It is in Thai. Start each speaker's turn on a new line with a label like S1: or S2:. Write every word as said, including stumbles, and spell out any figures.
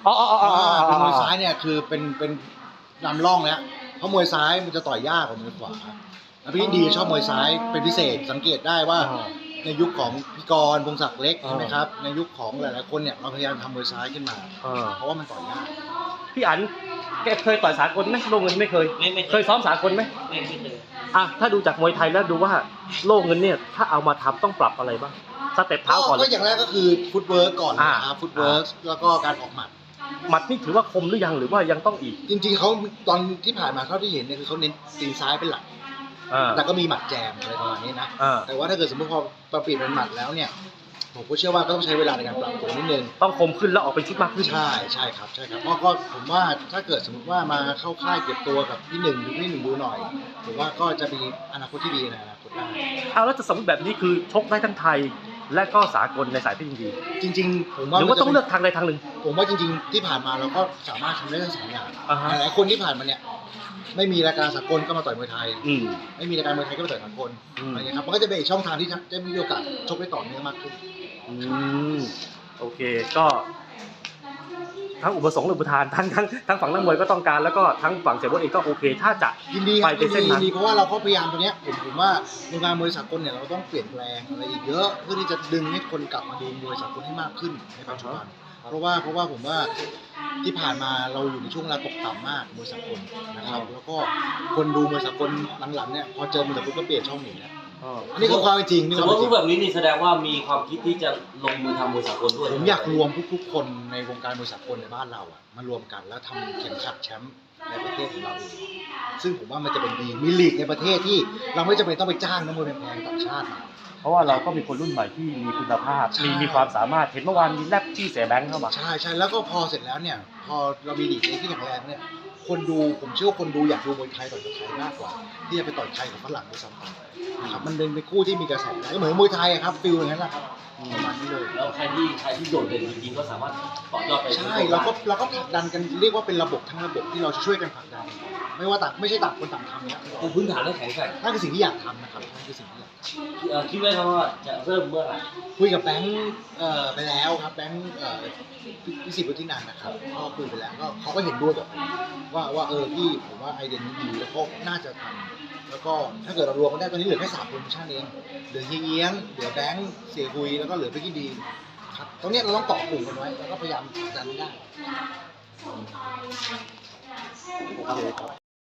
S1: อ๋ออ๋ออ๋อ
S2: เป็นมวยซ้ายเนี่ยคือเป็นเป็นนำร่องแล้วเพราะมวยซ้ายมันจะต่อยยากกว่ามวยขวาแล้วพี่ดีชอบมวยซ้ายเป็นพิเศษสังเกตได้ว่าในยุคของพี่กรณ์พงศักดิ์เล็กใช่ไหมครับในยุคของหลายๆคนเนี่ยเราพยายามทำมวยซ้ายขึ้นมาเพราะว่ามันต่อยยาก
S1: พี่อั๋นแกเคยต่อยสากลไหมโล่เงินไม่เคย
S3: ไม่
S1: เคยซ้อมสากลไหม
S3: ไม่ไม่เคย
S1: อ่ะถ้าดูจากมวยไทยแล้วดูว่าโล่เงินเนี่ยถ้าเอามาทำต้องปรับอะไรบ้างสเต็ปเท้าก่อน
S2: ก็อย่างแรกก็คือฟุตเวิร์กก่อนนะครับฟุตเวิร์กแล้วก็การออกหมัด
S1: หมัดนี่ถือว่าคมหรือยังหรือว่ายังต้องอีก
S2: จริงๆเขาตอนที่ผ่านมาเท่าที่เห็นเนี่ยคือเขาเน้นตีนซ้ายเป็นหลักแต่ก็มีหมัดแจมอะไรประมาณนี้นะแต่ว่าถ้าเกิดสมมติพอปรับเปลี่ยนเป็นหมัดแล้วเนี่ยผมก็เชื่อว่าก็ต้องใช้เวลาในการปรับตัวนิดนึง
S1: ต้องคมขึ้นแล้วออกเป็นชุดมากขึ้น
S2: ใช่ใช่ครับใช่ครับเพราะก็ผมว่าถ้าเกิดสมมติว่ามาเข้าค่ายเก็บตัวกับพี่หนึ่งหรือพี่หนึ่งดูหน่อยผมว่าก็จะมีอนาคตที่ดีในอนาคตได้
S1: เอาแล้วจะสมมติแบบนี้คือชกได้ทั้งไทยและก็สากลในสายที่ดี
S2: จริงๆผมว่า
S1: หรือว่าต้องเลือกทางใดทางหนึ่ง
S2: ผมว่าจริงๆที่ผ่านมาเราก็สามารถทำได้ทั้งสองอย่างหลายคนที่ผ่านมาเนี่ยไม่มีรายการสากลก็มาต่อยมวยไทยไม่มีรายการมวยไทยก็มาต่อยสากลอะไรอย่างเงี้ยครับมันก็จะเป็นอีกช่องทางที่จะมีโอกาสชกได้ต่อเนื่องมากขึ้น
S1: อืมโอเคก็ทั้งอุปสงค์และอุปทานทั้งทั้งทั้งฝั่งนักมวยก็ต้องการแล้วก็ทั้งฝั่งเสียโบ๊ทเองก็โอเคถ้าจะ
S2: ยินดีไปในเส้นนั้นเพราะว่าเราก็พยายามตัวเนี้ยผมผมว่าวงการมวยสากลเนี่ยเราต้องเปลี่ยนแปลงอะไรอีกเยอะเพื่อที่จะดึงให้คนกลับมาดูมวยสากลให้มากขึ้นในปัจจุบันเพราะว่าเพราะว่าผมว่าที่ผ่านมาเราอยู่ในช่วงเวลาตกต่ำมากมวยสากลนะครับแล้วก็คนดูมวยสากลหลังๆเนี่ยพอเจอมวยสากลก็เปลี่ยนช่องหนีแล้วนี่คือความจริง
S3: สมมติรูปแบบนี้นี่แสดงว่ามีความคิดที่จะลงมือทำมวยสากลด้วย
S2: ผมอยากรวมทุกๆคนในวงการมวยสากลในบ้านเราอ่ะมารวมกันแล้วทำเข็มขัดแชมป์ในประเทศของเราเองซึ่งผมว่ามันจะเป็นดีมีลีกในประเทศที่เราไม่จำเป็นต้องไปจ้างนักมวยแพงๆต่างชาติมา
S1: เพราะว่าเราก็มีคนรุ่นใหม่ที่มีคุณภาพมีมีความสามารถเห็นเมื่อวานมีแลบที่เสียแบงค์เข้ามา
S2: ใช่ใช่แล้วก็พอเสร็จแล้วเนี่ยพอเรามีลีกที่แข็งแรงเนี่ยคนดูผมเชื่อว่าคนดูอยากดูมวยไทยต่อยกับไทยมากกว่าที่จะไปต่อยไทยกับฝรั่งด้วยซ้ำไปนะครับมันเป็นคู่ที่มีกระแสก็เหมือนมวยไทยครับฟิลอย่างนั้นแหละครับประมาณนี้เลย
S3: แล้วใครที่ใครที่โดดเด่นจริงๆก็สามารถต่อยอดไป
S2: ใช่เราก็เราก็ผลักดันกันเรียกว่าเป็นระบบทั้งระบบที่เราช่วยกันผลักดันไม่ว่าต่างไม่ใช่ต่างคนต่างทำเนี่ย
S3: คือพื้นฐานเรื่องแข็งแกร่ง
S2: นั่นคือสิ่งที่อยากทำนะครับนั่นคือสิ่งที่อยาก
S3: คิดไว้ครับว่าจะเริ่มเมื่อไหร่
S2: คุยกับแบงค์ไปแล้วครับแบงค์พิสิทธิ์วุฒินันท์นะครับก็คุยไปแล้วก็เขาก็เห็นด้วยกับผมว่าว่าเออพี่ผมว่าไอเดียนี้ดีแล้วก็น่าจะทำแล้วก็ถ้าเกิดเรารวมกันได้ตอนนี้เหลือแค่สามโปรโมชั่นเองเหลือเฮียเอี้ยงเหลือแบงค์เสียคุยแล้วก็เหลือพี่ดีครับตรงนี้เราต้องต่อกลุ่มกันไว้แล้วก็พยายามดันได้โอเคครับ